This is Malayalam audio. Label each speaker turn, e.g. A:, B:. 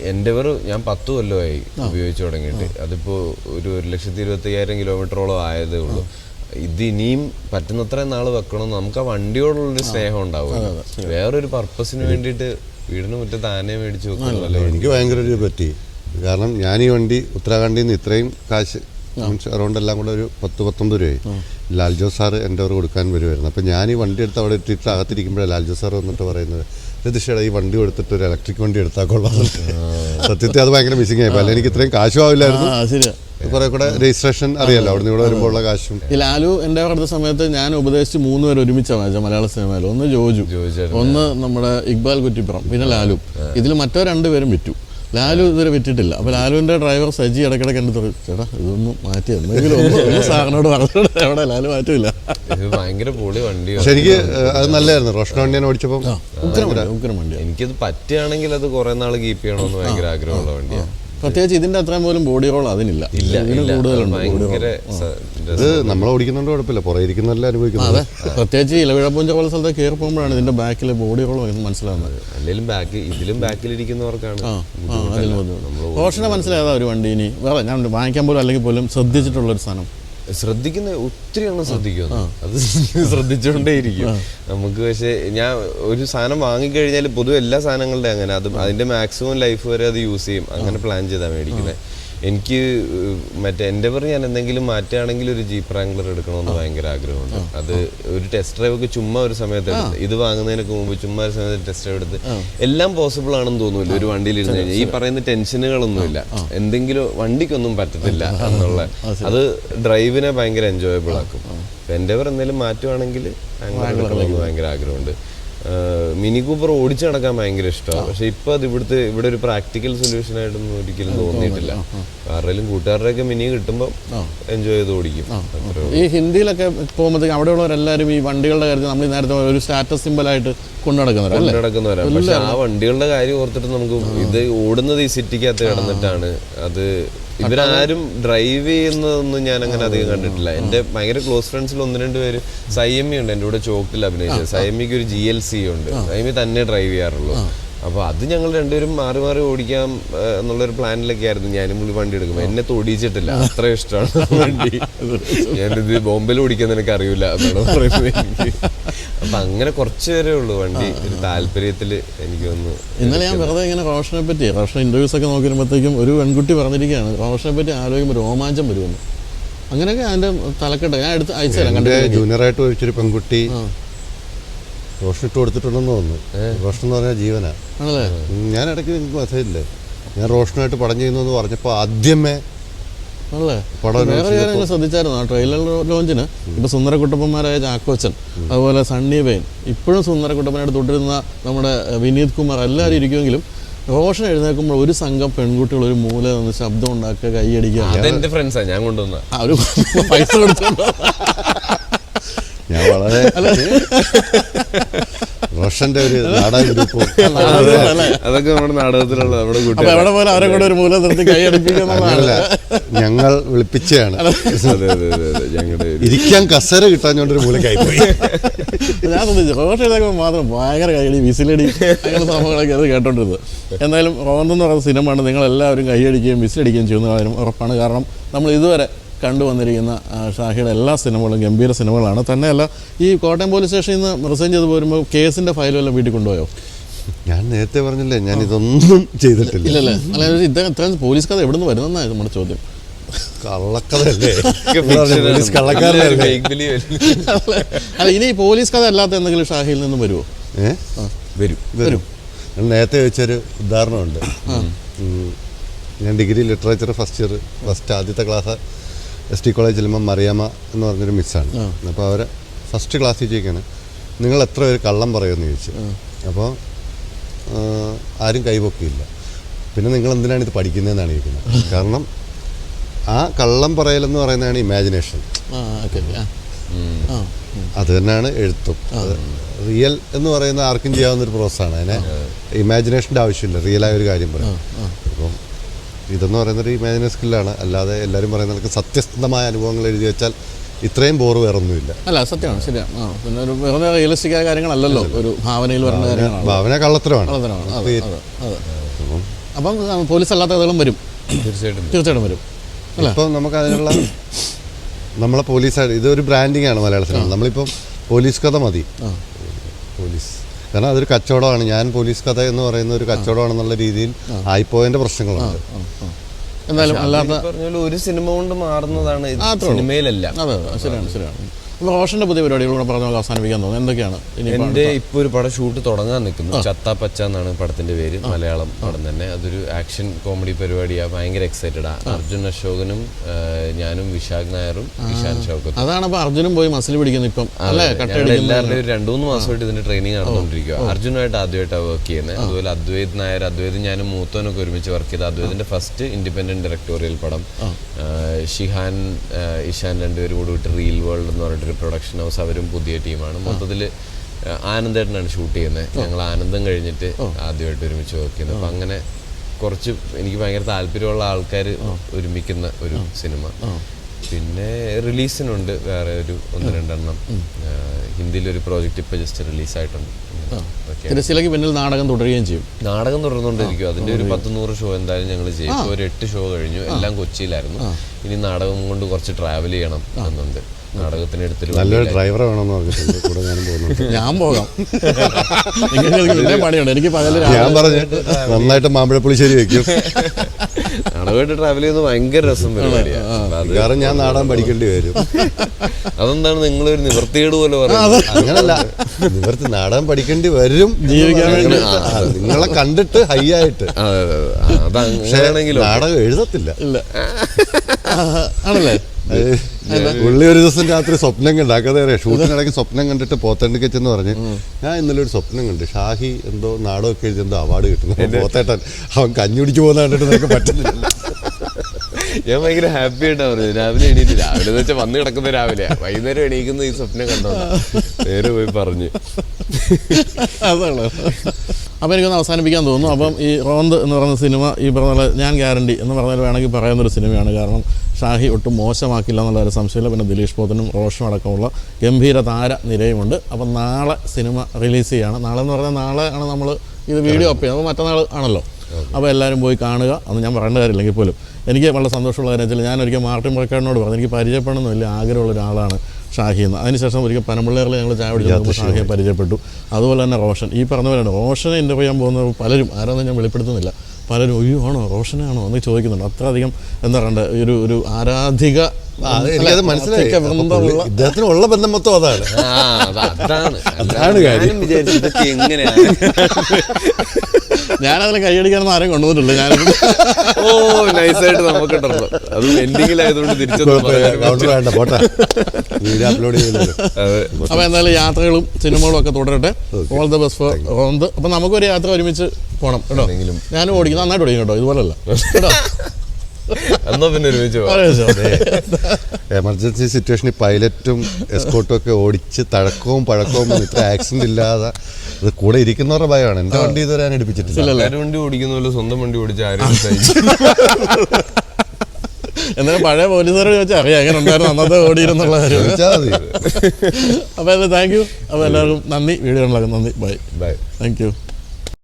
A: എൻഡെവർ ഞാൻ 10 കൊല്ലമായി ഉപയോഗിച്ചു തുടങ്ങിയിട്ട്. അതിപ്പോൾ ഒരു 1,25,000 കിലോമീറ്ററോളം ആയതേ ഉള്ളൂ. ഇത് ഇനിയും പറ്റുന്നത്ര നാൾ വെക്കണം. നമുക്ക് ആ വണ്ടിയോടുള്ളൊരു സ്നേഹം ഉണ്ടാവും. വേറൊരു പർപ്പസിന് വേണ്ടിയിട്ട് വീടിന് മുറ്റത്ത് ആനയെ മേടിച്ച് വെക്കുന്നതല്ലേ.
B: എനിക്ക് ഭയങ്കര ഒരു പറ്റി. കാരണം ഞാൻ ഈ വണ്ടി ഉത്തരാഖണ്ഡിൽ നിന്ന് ഇത്രയും കാശ് അറൗണ്ട് എല്ലാം കൂടെ ഒരു 10-19 രൂപയായി. ലാൽജോ സാറ് എൻ്റെ കൊടുക്കാൻ വരുമായിരുന്നു. അപ്പം ഞാൻ ഈ വണ്ടി എടുത്ത് അവിടെ ഇട്ടിട്ട് അകത്തിരിക്കുമ്പോഴേ ലാൽജോ സാർ വന്നിട്ട് പറയുന്നത്, രതീഷേടാ ഈ വണ്ടി കൊടുത്തിട്ട് ഒരു ഇലക്ട്രിക് വണ്ടി എടുത്താൽ കൊള്ളാം. സത്യത്തിൽ അത് ഭയങ്കര മിസ്സിംഗ് ആയി. അല്ലെങ്കിൽ ഇത്രയും കാശും ആവില്ലായിരുന്നു. കുറെ കൂടെ രജിസ്ട്രേഷൻ അറിയാലോ അവിടെ നിന്ന് ഇവിടെ വരുമ്പോഴുള്ള കാശും.
C: ഈ ലാലു എൻ്റെ അടുത്ത സമയത്ത് ഞാൻ ഉപദേശിച്ച് 3 പേര് ഒരുമിച്ചാണ് വായിച്ചത് മലയാള സിനിമയിൽ. ഒന്ന് ജോജു, ഒന്ന് നമ്മുടെ ഇക്ബാൽ കുറ്റിപ്പുറം, പിന്നെ ലാലു. ഇതിൽ മറ്റോ 2 പേരും വിറ്റു. ലാലു ഇതുവരെ വിറ്റിട്ടില്ല. അപ്പോൾ ലാലുവിൻ്റെ ഡ്രൈവർ സജി ഇടയ്ക്കിടയ്ക്ക് എൻ്റെ ചേട്ടാ ഇതൊന്നും മാറ്റി എന്തെങ്കിലും ഒന്ന് സാറിനോട് പറഞ്ഞോട്. എവിടെ ലാലു മാറ്റില്ല.
A: ഭയങ്കര പൊളി വണ്ടി.
B: പക്ഷെ എനിക്ക് അത് നല്ലതായിരുന്നു. റോഷൻ വണ്ടിയാണ് ഓടിച്ചപ്പോൾ
C: ഉഗ്രം വണ്ടി.
A: എനിക്കത് പറ്റുകയാണെങ്കിൽ അത് കുറെ നാൾ കീപ്പ് ചെയ്യണമെന്ന് ഭയങ്കര ആഗ്രഹമുള്ള വണ്ടിയാണ്.
C: പ്രത്യേകിച്ച് ഇതിന്റെ അത്രയും പോലും ബോഡി റോൾ അതിനില്ല.
B: ഇത് നമ്മൾ ഓടിക്കുന്നുണ്ട് കുഴപ്പമില്ല, പുറകെ ഇരിക്കുന്നതെല്ലാം അനുഭവിക്കുന്നത്.
C: അതെ, പ്രത്യേകിച്ച് ഇലവിഴപ്പൂഞ്ച പോലെ സ്ഥലത്ത് കയറി പോകുമ്പോഴാണ് ഇതിന്റെ ബാക്കിലെ ബോഡി റോൾ മനസ്സിലാവുന്നത്.
A: അല്ലെങ്കിൽ ഇതിലും ബാക്കിലിരിക്കുന്നവർക്കാണ്
C: റോഷനെ മനസ്സിലായതാ ഒരു വണ്ടി. ഇനി വേറെ ഞാൻ വാങ്ങിക്കാൻ പോലും അല്ലെങ്കിൽ പോലും ശ്രദ്ധിച്ചിട്ടുള്ള ഒരു സാധനം
A: ശ്രദ്ധിക്കുന്ന ഒത്തിരി എണ്ണം ശ്രദ്ധിക്കുന്നു. അത് ശ്രദ്ധിച്ചുകൊണ്ടേയിരിക്കും നമുക്ക്. പക്ഷെ ഞാൻ ഒരു സാധനം വാങ്ങിക്കഴിഞ്ഞാൽ പൊതുവെ എല്ലാ സാധനങ്ങളുടെ അങ്ങനെ അതിന്റെ മാക്സിമം ലൈഫ് വരെ അത് യൂസ് ചെയ്യും. അങ്ങനെ പ്ലാൻ ചെയ്താൽ മേടിക്കുന്നത്. എനിക്ക് മറ്റേ എൻഡെവർ ഞാൻ എന്തെങ്കിലും മാറ്റുകയാണെങ്കിൽ ഒരു ജീപ്പ് റാംഗ്ലർ എടുക്കണമെന്ന് ഭയങ്കര ആഗ്രഹമുണ്ട്. അത് ഒരു ടെസ്റ്റ് ഡ്രൈവ് ഒക്കെ ചുമ്മാ ഒരു സമയത്ത് എടുത്ത്, ഇത് വാങ്ങുന്നതിനൊക്കെ മുമ്പ് ചുമ്മാ ഒരു സമയത്ത് ടെസ്റ്റ് ഡ്രൈവ് എടുത്ത് എല്ലാം പോസിബിൾ ആണെന്ന് തോന്നുന്നില്ല. ഒരു വണ്ടിയിൽ ഇരുന്ന് കഴിഞ്ഞാൽ ഈ പറയുന്ന ടെൻഷനുകളൊന്നുമില്ല. എന്തെങ്കിലും വണ്ടിക്കൊന്നും പറ്റത്തില്ല എന്നുള്ള അത് ഡ്രൈവിനെ ഭയങ്കര എൻജോയബിൾ ആക്കും. എൻഡെവർ എന്തെങ്കിലും മാറ്റുവാണെങ്കിൽ എടുക്കണമെന്ന് ഭയങ്കര ആഗ്രഹമുണ്ട്. മിനി കൂപ്പർ ഓടിച്ചു നടക്കാൻ ഭയങ്കര ഇഷ്ടമാണ്. പക്ഷെ ഇപ്പൊ അത് ഇവിടെ ഒരു പ്രാക്ടിക്കൽ സൊല്യൂഷൻ ആയിട്ടൊന്നും ഒരിക്കലും തോന്നിയിട്ടില്ല. ആരുടെയും കൂട്ടുകാരുടെയൊക്കെ മിനി കിട്ടുമ്പോൾ എൻജോയ് ചെയ്ത് ഓടിക്കും.
C: ഈ ഹിന്ദിയിലൊക്കെ പോകുമ്പോഴത്തേക്കും അവിടെയുള്ളവരെല്ലാവരും ഈ വണ്ടികളുടെ കാര്യത്തിൽ നമ്മൾ നേരത്തെ ഒരു സ്റ്റാറ്റസ് സിമ്പിൾ ആയിട്ട്
A: കൊണ്ടുനടക്കുന്നവരാണ്. പക്ഷെ ആ വണ്ടികളുടെ കാര്യം ഓർത്തിട്ട് നമുക്ക് ഇത് ഓടുന്നത് ഈ സിറ്റിക്കകത്ത് കിടന്നിട്ടാണ്. അത് ഇവരാരും ഡ്രൈവ് ചെയ്യുന്നതൊന്നും ഞാൻ അങ്ങനെ അധികം കണ്ടിട്ടില്ല. എൻ്റെ ഭയങ്കര ക്ലോസ് ഫ്രണ്ട്സിൽ 1-2 പേര് സൈമി ഉണ്ട് എൻ്റെ കൂടെ ചോക്കിൽ അഭിനയിച്ചത്. സൈമിക്ക് ഒരു GLC ഉണ്ട്. സൈമി തന്നെ ഡ്രൈവ് ചെയ്യാറുള്ളൂ. അപ്പോൾ അത് ഞങ്ങൾ 2 പേരും മാറി മാറി ഓടിക്കാം എന്നുള്ളൊരു പ്ലാനിലൊക്കെ ആയിരുന്നു. ഞാനും പുള്ളി വണ്ടി എടുക്കുമ്പോൾ എന്നെ തൊടിയിച്ചിട്ടില്ല. അത്ര ഇഷ്ടമാണ് വണ്ടി. ഞാനിത് ബോംബെയിൽ ഓടിക്കാൻ നിനക്ക് അറിയില്ല എന്നാണ് പറയുന്നത് എനിക്ക്. അപ്പം അങ്ങനെ കുറച്ച് പേരേ ഉള്ളൂ വണ്ടി ഒരു താല്പര്യത്തിൽ. എനിക്ക് തോന്നുന്നു
C: ഇന്നലെ ഞാൻ വെറുതെ ഇങ്ങനെ റോഷനെ പറ്റി റോഷൻ ഇൻ്റർവ്യൂസ് ഒക്കെ നോക്കി വരുമ്പോഴത്തേക്കും ഒരു പെൺകുട്ടി പറഞ്ഞിരിക്കുകയാണ് റോഷനെ പറ്റി ആലോചിക്കുമ്പോൾ രോമാഞ്ചം വരുമെന്ന്. അങ്ങനെയൊക്കെ അതിൻ്റെ തലക്കെട്ട് ഞാൻ എടുത്ത് അയച്ചു തരാം.
B: ജൂനിയറായിട്ട് ചോദിച്ചൊരു പെൺകുട്ടി റോഷൻ ഇട്ട് കൊടുത്തിട്ടുണ്ടെന്ന് തോന്നുന്നു. റോഷൻ എന്ന് പറഞ്ഞാൽ ജീവനാ. ഞാൻ ഇടയ്ക്ക് നിങ്ങൾക്ക് മെസ്സേജില്ലേ ഞാൻ റോഷനായിട്ട് പടം ചെയ്യുന്നു പറഞ്ഞപ്പോൾ ആദ്യമേ
C: വേറെ കാര്യങ്ങൾ ശ്രദ്ധിച്ചായിരുന്നു. ആ ട്രെയിലർ ലോഞ്ചിന് ഇപ്പൊ സുന്ദരക്കുട്ടപ്പന്മാരായ ചാക്കോച്ചൻ, അതുപോലെ സണ്ണി വെയിൻ, ഇപ്പോഴും സുന്ദരക്കുട്ടപ്പനായിട്ട് തുടരുന്ന നമ്മുടെ വിനീത് കുമാർ എല്ലാവരും ഇരിക്കുമെങ്കിലും റോഷൻ എഴുന്നേൽക്കുമ്പോൾ ഒരു സംഘം പെൺകുട്ടികൾ ഒരു മൂല നിന്ന് ശബ്ദം ഉണ്ടാക്കുക, കൈയടിക്കുക.
A: ഞാൻ കൊണ്ടുവന്ന
C: ഒരു പൈസ കൊടുത്തോണ്ടോ
B: ഞാൻ വളരെ റോഷന്റെ ഒരു നാടക ഗ്രൂപ്പ്
A: അതൊക്കെ നമ്മുടെ നാടകത്തിലുള്ള
C: എവിടെ പോലെ അവരെ കൂടെ ഒരു മൂല നിർത്തി കൈയടിപ്പിക്കുന്നതല്ല.
B: ഞങ്ങൾ വിളിപ്പിച്ചാണ്. ഇരിക്കാൻ കസേര കിട്ടാഞ്ഞോണ്ടൊരു മൂലക്കായി പോയി.
C: ഞാൻ ശ്രദ്ധിച്ചു റോഷൻ എഴുതാക്കുമ്പോൾ മാത്രം ഭയങ്കര കൈയടി, വിസിലടി, അങ്ങനെ സംഭവങ്ങളൊക്കെ അത് കേട്ടോണ്ടിരുന്നത്. എന്തായാലും റോന്തെന്ന് പറയുന്ന സിനിമയാണ്. നിങ്ങളെല്ലാവരും കൈയടിക്കുകയും വിസിലടിക്കുകയും ചെയ്യുന്ന കാര്യം ഉറപ്പാണ്. കാരണം നമ്മൾ ഇതുവരെ കണ്ടുവന്നിരിക്കുന്ന ഷാഹിയുടെ എല്ലാ സിനിമകളും ഗംഭീര സിനിമകളാണ്. തന്നെയല്ല ഈ കോട്ടയം പോലീസ് സ്റ്റേഷനിൽ നിന്ന് റിസൈൻ ചെയ്ത് പോരുമ്പോൾ കേസിൻ്റെ ഫയലെല്ലാം വീട്ടിൽ കൊണ്ടുപോയോ?
B: ഞാൻ നേരത്തെ പറഞ്ഞില്ലേ ഞാൻ ഇതൊന്നും ചെയ്തിട്ടില്ല.
C: ഇല്ലല്ലേ? അല്ല ഇത്രയും പോലീസ് കഥ എവിടെ നിന്ന് വരുന്നതെന്നാണ് നമ്മുടെ ചോദ്യം.
B: കള്ളക്കഥയല്ലേ?
C: അല്ല ഇനി പോലീസ് കഥ അല്ലാത്ത എന്തെങ്കിലും ഷാഹിയിൽ നിന്ന് വരുമോ?
B: വരും. ഞാൻ നേരത്തെ ചോദിച്ചൊരു ഉദാഹരണമുണ്ട്. ഞാൻ ഡിഗ്രി ലിറ്ററേച്ചർ ഫസ്റ്റ് ആദ്യത്തെ ക്ലാസ് ST കോളേജ് ചെല്ലുമ്പോൾ മറിയാമ്മ എന്ന് പറഞ്ഞൊരു മിസ്സാണ്. അപ്പോൾ അവരെ ഫസ്റ്റ് ക്ലാസ്സിൽ ചോദിക്കാണ് നിങ്ങൾ എത്ര പേര് കള്ളം പറയുമെന്ന് ചോദിച്ചു. അപ്പോൾ ആരും കൈപൊക്കിയില്ല. പിന്നെ നിങ്ങൾ എന്തിനാണ് ഇത് പഠിക്കുന്നതെന്നാണ് ചോദിക്കുന്നത്. കാരണം ആ കള്ളം പറയലെന്ന് പറയുന്നതാണ് ഇമാജിനേഷൻ. അത് തന്നെയാണ് എഴുത്തും. റിയൽ എന്ന് പറയുന്ന ആർക്കും ചെയ്യാവുന്നൊരു പ്രോസസ്സാണ്. അതിനെ ഇമാജിനേഷൻ്റെ ആവശ്യമില്ല. റിയലായ ഒരു കാര്യം പറയാം. അപ്പം ഇതെന്ന് പറയുന്നൊരു ഇമാജിനറി സ്കില്ലാണ്. അല്ലാതെ എല്ലാവരും പറയുന്നവർക്ക് സത്യസന്ധമായ അനുഭവങ്ങൾ എഴുതി വെച്ചാൽ ഇത്രയും ബോറ് വേറൊന്നുമില്ല.
C: അല്ല സത്യമാണ്, ശരിയാണ്. പിന്നെ ഒരു വെറുതെ റിയലിസ്റ്റിക് ആയ കാര്യങ്ങളല്ലല്ലോ ഒരു ഭാവനയിൽ പറയുന്ന കാര്യങ്ങളാണ്.
B: ഭാവന കള്ളത്തരമാണ്.
C: അപ്പം പോലീസ് അല്ലാത്ത കഥകളും വരും, തീർച്ചയായിട്ടും വരും അല്ലേ?
B: ഇപ്പം നമുക്ക് അതിനുള്ള നമ്മളെ പോലീസായിട്ട് ഇതൊരു ബ്രാൻഡിങ് ആണ് മലയാള സിനിമ. നമ്മളിപ്പം പോലീസ് കഥ മതി, പോലീസ്, കാരണം അതൊരു കച്ചവടമാണ്. ഞാൻ പോലീസ് കഥ എന്ന് പറയുന്ന ഒരു കച്ചവടമാണെന്നുള്ള രീതിയിൽ ആയിപ്പോയതിൻ്റെ പ്രശ്നങ്ങളുണ്ട്.
C: എന്തായാലും അല്ലാത്ത
A: പറഞ്ഞ ഒരു സിനിമ കൊണ്ട് മാറുന്നതാണ് സിനിമയിലല്ല.
C: അതെ ശരിയാണ്. അപ്പോൾ റോഷൻ്റെ പുതിയ പരിപാടികളൂടെ പറഞ്ഞ അവസാനിപ്പിക്കാൻ തോന്നുന്നു. എന്തൊക്കെയാണ്
A: എൻ്റെ ഇപ്പോൾ ഒരു പടം ഷൂട്ട് തുടങ്ങാൻ നിൽക്കുന്നു. ചത്താ പച്ച എന്നാണ് പടത്തിന്റെ പേര്, മലയാളം പടം തന്നെ. അതൊരു ആക്ഷൻ കോമഡി പരിപാടിയാണ്. ഭയങ്കര എക്സൈറ്റഡാ. അർജുൻ അശോകനും ഞാനും വിശാഖ് നായരും ഇഷാൻ ഷൗക്കത്തും.
C: അതാണ് അപ്പോൾ അർജുനും പോയി മസിൽ പിടിക്കുന്നത് ഇപ്പം
A: എല്ലാവരുടെയും ഒരു 2-3 മാസമായിട്ട് ഇതിന്റെ ട്രെയിനിങ് നടന്നുകൊണ്ടിരിക്കുക. അർജുനായിട്ട് ആദ്യമായിട്ടാണ് വർക്ക് ചെയ്യുന്നത്. അതുപോലെ അദ്വൈത് നായർ, അദ്വൈത് ഞാനും മൂത്തോനൊക്കെ ഒരുമിച്ച് വർക്ക് ചെയ്ത അദ്വൈതിന്റെ ഫസ്റ്റ് ഇൻഡിപെൻഡന്റ് ഡയറക്ടോറിയൽ പടം. ഷിഹാൻ ഇഷാൻ രണ്ടുപേരും കൂടി വിട്ട് റീൽ വേൾഡ് എന്ന് പറഞ്ഞിട്ടൊരു പ്രൊഡക്ഷൻ ഹൗസ്, അവരും പുതിയ ടീമാണ്. മൊത്തത്തിൽ ആനന്ദേട്ടനാണ് ഷൂട്ട് ചെയ്യുന്നത്. ഞങ്ങൾ ആനന്ദം കഴിഞ്ഞിട്ട് ആദ്യമായിട്ട് ഒരുമിച്ച് വർക്ക് ചെയ്യുന്നത്. അപ്പം അങ്ങനെ കുറച്ച് എനിക്ക് ഭയങ്കര താല്പര്യമുള്ള ആൾക്കാർ ഒരുമിക്കുന്ന ഒരു സിനിമ. പിന്നെ റിലീസിനുണ്ട് വേറെ ഒരു 1-2 എണ്ണം. ഹിന്ദിയിലൊരു പ്രോജക്റ്റ് ഇപ്പം ജസ്റ്റ് റിലീസായിട്ടുണ്ട്.
C: തിരശ്ശീലയ്ക്ക് പിന്നിൽ നാടകം തുടരുകയും ചെയ്യും.
A: നാടകം തുടർന്നുകൊണ്ടിരിക്കും. അതിൻ്റെ ഒരു 10-100 ഷോ എന്തായാലും ഞങ്ങൾ ചെയ്യും. ഇപ്പോൾ ഒരു 8 ഷോ കഴിഞ്ഞു, എല്ലാം കൊച്ചിയിലായിരുന്നു. ഇനി നാടകം കൊണ്ട് കുറച്ച് ട്രാവൽ ചെയ്യണം എന്നുണ്ട്. നാടകത്തിന് എടുത്തിട്ട്
B: നല്ലൊരു ഡ്രൈവർ വേണമെന്ന് പറഞ്ഞിട്ടുണ്ട്. കൂടെ ഞാനും പോകുന്നുണ്ട്.
C: ഞാൻ പോകാം, നിങ്ങൾക്ക് പണിയുണ്ട്. എനിക്ക് പകല്
B: ഞാൻ പറഞ്ഞു നന്നായിട്ട് മാമ്പഴപ്പുളിശ്ശേരി വെക്കും.
A: നാടകമായിട്ട് ട്രാവൽ ചെയ്യുന്നത് ഭയങ്കര രസം പരിപാടിയാണ്.
B: കാരണം ഞാൻ നാടകം പഠിക്കേണ്ടി വരും.
A: അതെന്താണ് നിങ്ങളൊരു നിവൃത്തികേട് പോലെ പറയുന്നത്?
B: അങ്ങനല്ല, നിവർത്തി നാടകം പഠിക്കേണ്ടി വരും
C: ജീവിക്കാൻ വേണ്ടി.
B: നിങ്ങളെ കണ്ടിട്ട് ഹൈ ആയിട്ട്.
A: അതങ്ങനെയാണെങ്കിലും
B: നാടകം എഴുതത്തില്ല.
C: ഇല്ല ആണല്ലേ?
B: പുള്ളി ഒരു ദിവസം രാത്രി സ്വപ്നം കണ്ട് അകതേറെ ഷൂട്ടിനിടയ്ക്ക് സ്വപ്നം കണ്ടിട്ട് പോത്തണ്ടിക്കച്ചെന്ന് പറഞ്ഞ് ഞാൻ ഇന്നലെ ഒരു സ്വപ്നം കണ്ട് ഷാഹി എന്തോ നാടകമൊക്കെ എഴുതി എന്തോ അവാർഡ് കിട്ടുന്നു. പോത്തേട്ടൻ അവൻ കഞ്ഞുടിച്ചു പോകുന്ന കണ്ടിട്ട് നിനക്ക് പറ്റുന്നില്ല.
A: ഞാൻ ഭയങ്കര ഹാപ്പി ആയിട്ടാ പറഞ്ഞത്. രാവിലെ എണീറ്റ്, രാവിലെ എന്ന് വെച്ചാൽ വന്ന് കിടക്കുന്ന രാവിലെ, വൈകുന്നേരം എണീക്കുന്ന ഈ സ്വപ്നം കണ്ടോ നേരെ പോയി പറഞ്ഞു.
C: അതാണ്. അപ്പോൾ എനിക്കൊന്ന് അവസാനിപ്പിക്കാൻ തോന്നുന്നു. അപ്പം ഈ റോന്ത് എന്ന് പറയുന്ന സിനിമ ഈ പറഞ്ഞ ഞാൻ ഗ്യാരണ്ടി എന്ന് പറഞ്ഞാൽ വേണമെങ്കിൽ പറയുന്നൊരു സിനിമയാണ്. കാരണം ഷാഹി ഒട്ടും മോശമാക്കില്ല എന്നുള്ള ഒരു സംശയമില്ല. പിന്നെ ദിലീഷ് പോത്തനും റോഷനും അടക്കമുള്ള ഗംഭീര താര നിരയുമുണ്ട്. അപ്പം നാളെ സിനിമ റിലീസ് ചെയ്യുകയാണ്. നാളെ എന്ന് പറഞ്ഞാൽ നാളെ ആണ് നമ്മൾ ഇത് വീഡിയോ അപ്പ് ചെയ്യുന്നത്. അപ്പോൾ മറ്റന്നാൾ ആണല്ലോ. അപ്പോൾ എല്ലാവരും പോയി കാണുക. അന്ന് ഞാൻ പറയേണ്ട കാര്യമില്ലെങ്കിൽ പോലും എനിക്ക് വളരെ സന്തോഷമുള്ള കാര്യം വെച്ചാൽ ഞാൻ ഒരിക്കൽ മാർട്ടിൻ പ്രക്കാടിനോട് പറഞ്ഞു എനിക്ക് പരിചയപ്പെടണമെന്ന് വലിയ ആഗ്രഹമുള്ള ഒരാളാണ് ഷാഹി എന്ന്. അതിനുശേഷം ഒരിക്കൽ പനമ്പള്ളേറിൽ ഞങ്ങൾ ചായ പിടിച്ചപ്പോൾ ഷാഹിയെ പരിചയപ്പെട്ടു. അതുപോലെ തന്നെ റോഷൻ, ഈ പറഞ്ഞ പോലെയാണ് റോഷനെ ഇൻ്റർവ്യൂ ചെയ്യാൻ പോകുന്നവർ പലരും, ആരാന്നും ഞാൻ വെളിപ്പെടുത്തുന്നില്ല, പലരും ഒയ്യോ ആണോ റോഷനാണോ എന്ന് ചോദിക്കുന്നുണ്ട്. അത്രയധികം എന്താ പറയണ്ടേ ഒരു ആരാധിക
B: എനിക്കത് മനസ്സിലായി. ഇദ്ദേഹത്തിനുള്ള ബന്ധം മൊത്തം അതാണ്. അതാണ് കാര്യം.
C: ഞാനതിനെ കൈയടിക്കാനൊന്നും ആരും കൊണ്ടുവന്നിട്ടില്ല. ഞാൻ
A: നൈസായിട്ട് നമുക്ക് അത് എൻഡിങ്ങിലായതുകൊണ്ട് തിരിച്ചു
B: വേണ്ട പോട്ടെ, വീഡിയോ അപ്ലോഡ് ചെയ്യുന്നത്.
C: അപ്പോൾ എന്തായാലും യാത്രകളും സിനിമകളും ഒക്കെ തുടരട്ടെ. All the best for Ronth. അപ്പം നമുക്കൊരു യാത്ര ഒരുമിച്ച് പോകണം കേട്ടോ. ഞാനും ഓടിക്കും, നന്നായിട്ട് ഓടിക്കും കേട്ടോ, ഇതുപോലല്ല കേട്ടോ.
A: എന്നാ പിന്നെ ഒരുമിച്ച്
B: എമർജൻസി സിറ്റുവേഷനിൽ പൈലറ്റും എസ്കോട്ടും ഒക്കെ ഓടിച്ച് തഴക്കവും പഴക്കവും ഇത്ര ആക്സിഡന്റ് ഇല്ലാതെ അത് കൂടെ ഇരിക്കുന്നവരുടെ ഭയമാണ്. എന്റെ വണ്ടി ഇതുവരെ ഞാൻ എടുപ്പിച്ചിട്ടില്ല.
A: വണ്ടി ഓടിക്കുന്ന പോലെ സ്വന്തം വണ്ടി ഓടിച്ച് ആരും
C: എന്നാലും പഴയ പോലീസുകാരോട് ചോദിച്ചാൽ അറിയാം എങ്ങനെ ഉണ്ടായിരുന്നു അന്നത്തെ ഓടിയിരുന്നുള്ള കാര്യം.
B: ചോദിച്ചാൽ മതി.
C: അപ്പോൾ താങ്ക് യു. അപ്പോൾ എല്ലാവർക്കും നന്ദി. വീഡിയോ ഉണ്ടാക്കും. നന്ദി. ബൈ.
B: ബൈ.
C: Thank U.